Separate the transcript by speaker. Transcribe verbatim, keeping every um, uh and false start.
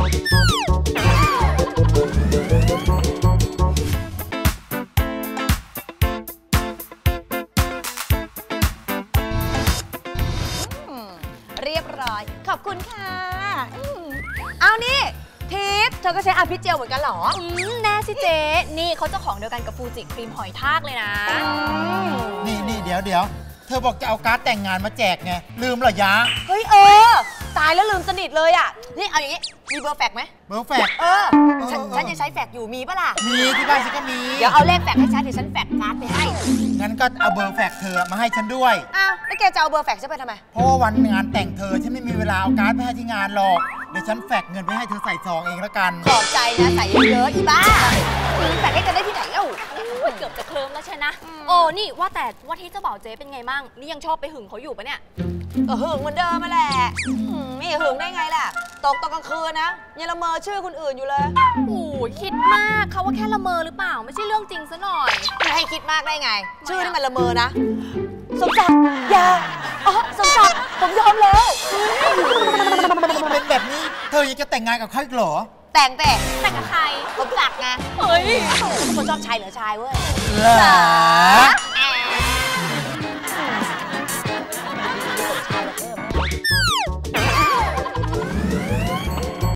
Speaker 1: เรียบร้อยขอบคุณค่ะเอานี่ทิพย์เธอก็ใช้อาพิเจลเหมือนกันเหรอ
Speaker 2: แน่สิเจ๊นี่เขาเจ้าของเดียวกันกับฟูจิครีมหอยทากเลยนะ
Speaker 3: นี่นี่เดี๋ยวเดี๋ยวเธอบอกจะเอาการ์ดแต่งงานมาแจกไงลืมเหรอยะ
Speaker 1: เฮ้ยเออตายแล้วลืมสนิทเลยอ่ะนี่เอาอย่างนี้มีเบอร์แฟกไหม
Speaker 3: เบอร์แฟก
Speaker 1: เออฉันยังใช้แฟกอยู่มีปะล่ะ
Speaker 3: มีที่บ้านฉันก็มี
Speaker 1: เดี๋ยวเอาเลขแฟกให้ฉันเดี๋ยวฉันแฟกการ์ดไปให้
Speaker 3: งั้นก็เอาเบอร์แฟกเธอมาให้ฉันด้วย
Speaker 1: อ้าวแล้วแกจะเอาเบอร์แฟกฉันไปทำไม
Speaker 3: เพราะว่าวันงานแต่งเธอฉันไม่มีเวลาเอาการ์ดไปให้ที่งานหรอกเดี๋ยวฉันแฟกเงินไปให้เธอใส่ซองเองแล้วกัน
Speaker 1: ขอบใจนะใส่เยอะๆอีบ้าแฟกให้กันได้ที่ไหนเล่า
Speaker 2: เกือบจะเคลิ้มแล้วใช่นะโอ้นี่ว่าแต่ว่าที่เจ้าบ่าวเจ๊เป็นไงมั่งนี่ยังชอบไปหึงเขาอยู่ปะเนี่ย
Speaker 1: ก็หึงเหมือนเดิมมาแหละไม่หึงได้ไงล่ะตกตอนกลางคืนนะยังละเมอชื่อคนอื่นอยู่เลย
Speaker 2: โอ้ยคิดมากเขาว่าแค่ละเมอหรือเปล่าไม่ใช่เรื่องจริงซะหน่อย
Speaker 1: ไม่ให้คิดมากได้ไงชื่อนี่มันละเมอนะสมศักดิ์อย่าอ๋อสมศักดิ์ผมยอมแล้ว
Speaker 3: เป็นแบบนี้เธอยังจะแต่งงานกับเขาอีกเหรอ
Speaker 1: แต่งแต่
Speaker 2: แต่งกับใคร
Speaker 1: สมศักดิ์ไง
Speaker 2: เฮ้ย
Speaker 1: คนชอบชายเหลือชายเว้ย
Speaker 3: เหรอ